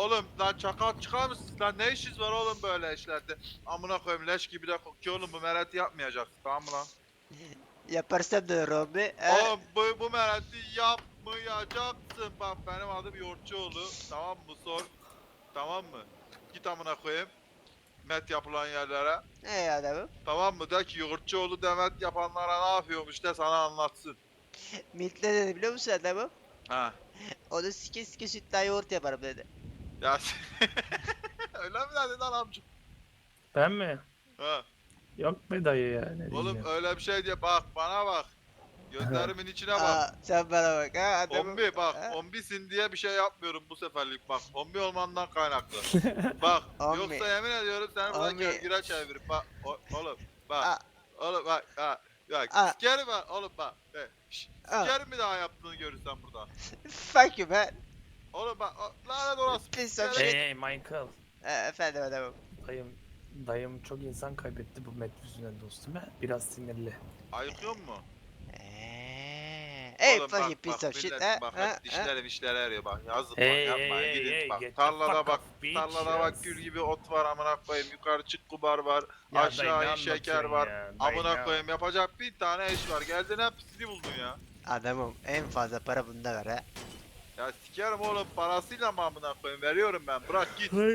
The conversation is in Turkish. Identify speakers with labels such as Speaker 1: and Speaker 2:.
Speaker 1: oğlum lan çakal çıkar mısın lan, ne işiniz var oğlum böyle işlerde? Amına koyayım, leş gibi de kokuyor oğlum, bu mereti yapmayacaksın, tamam mı lan?
Speaker 2: Yaparsam da Robi.
Speaker 1: Oğlum bu mereti yapmayacaksın. Bak benim adım Yoğurtçuoğlu, tamam mı, sor, tamam mı? Git amına koyayım met yapılan yerlere,
Speaker 2: Adamım.
Speaker 1: tamam mı, de ki Yoğurtçuoğlu demet yapanlara ne yapıyormuş de sana anlatsın.
Speaker 2: Milk ne dedi biliyor musun adamım?
Speaker 1: Ha
Speaker 2: Onu sike sike sütle yoğurt yaparım dedi.
Speaker 1: ya öyle mi dedin lan amcık?
Speaker 3: Ben mi?
Speaker 1: Ha.
Speaker 3: Yok be dayı ya ne
Speaker 1: Oğlum
Speaker 3: diyeceğim.
Speaker 1: öyle bir şey diye, bak bana bak. Gözlerimin içine bak.
Speaker 2: Sen bana bak ha adamım.
Speaker 1: Ombi bak,
Speaker 2: Ha?
Speaker 1: ombisin diye bir şey yapmıyorum bu seferlik, bak. Ombi olmandan kaynaklı. Bak,
Speaker 2: Ombi.
Speaker 1: yoksa yemin ediyorum seni buradan
Speaker 2: Ombi.
Speaker 1: gölgüre çevirip bak. Oğlum bak.
Speaker 2: Aa,
Speaker 1: Oğlum bak ha. Bak
Speaker 2: aa,
Speaker 1: sikerim bak oğlum bak.
Speaker 2: aa.
Speaker 1: Sikerim bir daha yaptığını görürsem burada.
Speaker 2: Fuck you man.
Speaker 1: Oğlum bak lanet olası.
Speaker 2: Piece of
Speaker 1: Sikerim.
Speaker 2: shit.
Speaker 3: Hey Michael.
Speaker 2: Efendim adamım.
Speaker 3: Dayım, dayım çok insan kaybetti bu met yüzünden dostum. Ha? Biraz sinirli.
Speaker 1: Ayıkıyor mu?
Speaker 2: Hey
Speaker 1: Oğlum
Speaker 2: fuck you
Speaker 1: bak
Speaker 2: piece of shit
Speaker 1: millet
Speaker 2: ha.
Speaker 1: bak
Speaker 2: Ha?
Speaker 1: hep dişleri işleri eriyor bak. Yazık bak,
Speaker 3: Hey
Speaker 1: yapmayın
Speaker 3: hey
Speaker 1: gidin
Speaker 3: hey
Speaker 1: bak.
Speaker 3: get the
Speaker 1: Tarlada
Speaker 3: fuck
Speaker 1: bak.
Speaker 3: off bitch.
Speaker 1: Tarlada bak gül gibi ot var amına koyayım. Yukarı çık kubar var.
Speaker 3: Ya dayı
Speaker 1: Aşağı
Speaker 3: ne
Speaker 1: in şeker
Speaker 3: anlatıyorsun
Speaker 1: var.
Speaker 3: ya? Dayı
Speaker 1: Amına
Speaker 3: ne-
Speaker 1: koyayım yapacak bin tane iş var. Geldin hepsini buldun ya.
Speaker 2: Adamım en fazla para bunda var ha.
Speaker 1: Ya sikerim oğlum, parasıyla mı amına koyayım, veriyorum ben, bırak git.